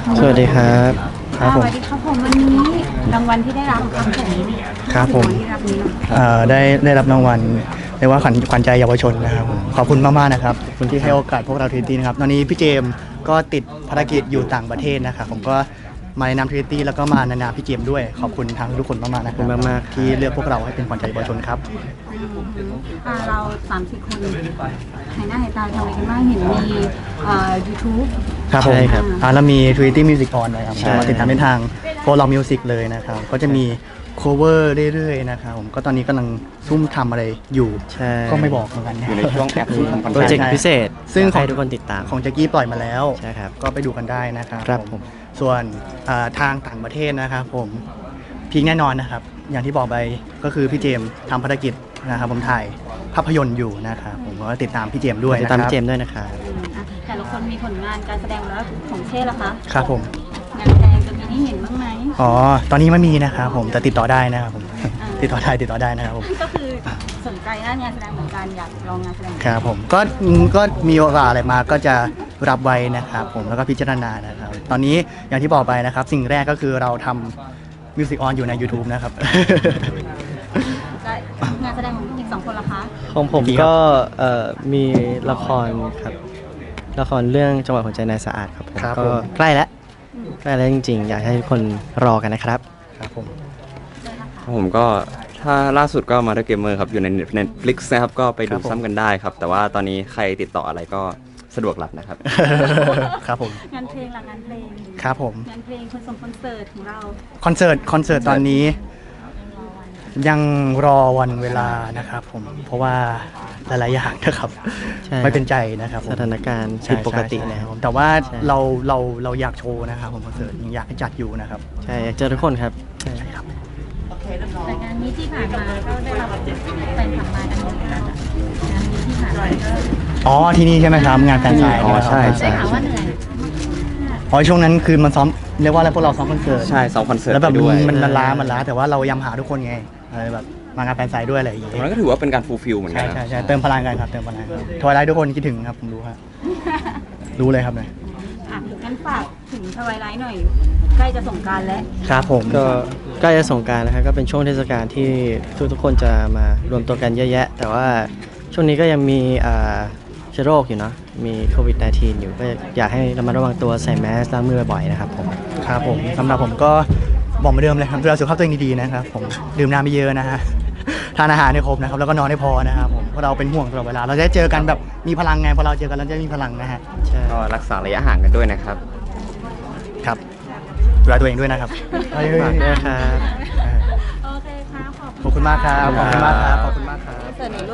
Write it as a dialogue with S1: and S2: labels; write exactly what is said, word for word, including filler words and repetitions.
S1: สวัสดีครับครับผม
S2: สวัสดีครับผมวันนี้รางวัลที่ได้รับครับผม
S1: ครับผม
S2: ที่รับนี้เนาะ
S1: เอ่อได้ได้รับรางวัลเรียกว่าขวัญขวัญใจเยาวชนนะครับผมขอบคุณมากๆนะครับคุณที่ให้โอกาสพวกเราทรีตี้นะครับตอนนี้พี่เจมส์ก็ติดภารกิจอยู่ต่างประเทศนะครับผมก็มาในนามทรีตี้แล้วก็มาในนามพี่เจมส์ด้วยขอบคุณทางทุกคนมากๆนะครับ
S3: ขอบคุณมากๆ
S1: ที่เลือกพวกเราให้เป็นขวัญใจเยาวชนครับ
S2: อ่าเราสามสี่คนหายหน้าหายตาทำอะไรกันบ้างเห็นมีเอ่อ YouTube
S1: ครับผม
S3: ใช่ครับ
S1: อ่าแล้วมี Trinity Music On นะครับ
S3: ใช่
S1: มาติดตามในทาง For Love Music เลยนะครับก็จะมี cover เรื่อยๆนะครับผมก็ตอนนี้กำลังซุ่มทำอะไรอยู่
S3: ใช่
S1: ก็ไม่บอกเหมือนกัน
S4: อยู่ในช่วงแอปซุ่มทำคอน
S3: โปร
S4: เทน
S3: เจก
S4: ต์
S3: ต์พิเศษ
S1: ซึ่ง
S3: อยาก
S1: ของ
S3: ให้ทุกคนติดตาม
S1: ของแจ็กกี้ปล่อยมาแล้ว
S3: ใช่ครับ
S1: ก็ไปดูกันได้นะครับ
S3: ครับผม
S1: ส่วนอ่าทางต่างประเทศนะครับผมพีคแน่นอนนะครับ อย่างที่บอกไปก็คือพี่เจมส์ทำภารกิจนะครับผมถ่ายภาพยนตร์อยู่นะครับผมก็ติดตามพี่เจมส์ด้วย
S3: ติด
S1: นะค
S3: ตา
S1: รั
S3: ม
S1: บ
S3: เจมส์ด้วยนะครับ
S2: อืมอ่ะแต่ละคนมีผลงานการแสดงแล้วของเช่ล่ะคะ
S1: ครับผม
S2: งานแสดงจะมีให้เห็นบ้างไหม
S1: อ๋อตอนนี้ไม่มีนะครับผมแต่ติดต่อได้นะครับผม ติดต่อได้ติดต่อได้นะครับผม
S2: ก็คือสนใจด้านงานแสดงเหมือนกันอยากลองงานแสดง
S1: ครับผมก็ก็มีโอกาสอะไรมาก็จะรับไว้นะครับผมแล้วก็พิจารณานะครับ ตอนนี้อย่างที่บอกไปนะครับ สิ่งแรกก็คือเราทำมิวสิกออนอยู่ใน YouTube นะครับ
S2: และงานแสดงของอีกสองคนล่ะคะ
S3: ของผม
S1: กี่ครับ
S3: ก็เอ่อมีละครครับละครเรื่องจังหวะหัวใจนายสะอาดครับผม
S1: ครับ
S3: ก็
S1: ผม
S3: ใกล้แล้วใกล้แล้วจริงๆ อยากให้ทุกคนรอกันนะครับ
S1: ครับผม
S4: ผมก็ถ้าล่าสุดก็มาเดอร์เกมเมอร์ครับ อยู่ใน Netflix นะครับก็ไปดูซ้ำกันได้ครับ แต่ว่าตอนนี้ใครติดต่ออะไรก็สะดวกรับนะครับ
S1: ครับผม
S2: งานเพลงล่ะงานเพลง
S1: ครับผม
S2: งานเพลงคอนเสิร์ตคอนเสิร์ตของเรา
S1: คอนเสิร์ตคอนเสิร์ตตอนนี้ยังรอวันเวลานะครับผมเพราะว่าหลายๆอย่างนะครับ
S3: ใช่
S1: ไม่เป็นใจนะครับผม
S3: สถานการณ์
S1: ใช่
S3: ผิดปกติ
S1: ใช่
S3: นะ
S1: ใช่
S3: ครับ
S1: ผมแต่ว่า
S3: ใช่
S1: เราเราเราอยากโชว์นะครับผมคอนเสิร์ตยังอยากให้จัดอยู่นะครับ
S3: ใช่อยากเจอทุกคนครับใช่
S1: ครับ
S2: แต่งานนี้ที่ผ่านมาก็ได้รับแฟนคลับมากันเยอะนะคะงานนี้ที่ผ่านมาก็
S1: อ๋อที่นี่ใช่ไหมครับงานแฟนไซน์
S4: อ๋อใช่
S2: ได้ข่าวว่าเหนื่อย
S1: อ๋อช่วงนั้นคือมันซ้อมเรียกว่าอะไรพวกเราซ้อมคอนเสิร์ต
S4: ใช่ซ้อมคอนเสิร์ต
S1: แล้วแบบ
S4: ไปด้วย
S1: มันมันล้ามันล้าแต่ว่าเรายำหาทุกคนไงอะไรแบบมางานแฟนไซน์ด้วยอะไรอย่างเงี้ย
S4: มันก็ถือว่าเป็นการฟูลฟิลเหมือนกั
S1: ใช่
S4: นนะ
S1: ใช่ใช่เติมพลังกันครับเติมพลังครับทวายไลท์ทุกคนคิดถึงครับผมรู้ครับรู้เลยครับเนี่ย
S2: อ่ะงั้นฝากถึงทวายไลท์หน่อย ใกล้จะสงกรานต์แล้ว
S1: ครับผม
S3: ก็ใกล้จะสงกรานต์นะครับก็เป็นช่วงเทศกาลที่ทุกทุกๆคนจะมารวมตัวกันเยอะแยะ แต่ว่าช่วงนี้ก็ยังมีอ่าเชื้อโรคอยู่เนาะมีโควิด สิบเก้า อยู่ก็อยากให้ระมัดระวังตัวใส่แมสล้างมือบ่อยๆนะครับผม
S1: ครับผมสำหรับผมก็บอกเหมือนเดิมเลยครับดูแลสุขภาพตัวเองดีๆนะครับผมดื่มน้ำไม่เยอะนะฮะทานอาหารให้ครบนะครับแล้วก็นอนให้พอนะครับผมเพราะเราเป็นห่วงตลอดเวลาเราจะได้เจอกันแบบมีพลังไงพอเราเจอกันเราจะมีพลังนะฮะ
S3: ใช่
S4: ก็รักษาระยะห่างกันด้วยนะครับ
S1: ครับดูแลตัวเองด้วยนะครับเฮ้ย
S3: ฝากด้วยนะครับ
S2: โอเคค่ะ
S1: ขอบคุณมากครับขอบคุณมากครับขอบคุณมากครับ
S2: เสิร์ตไหนลูก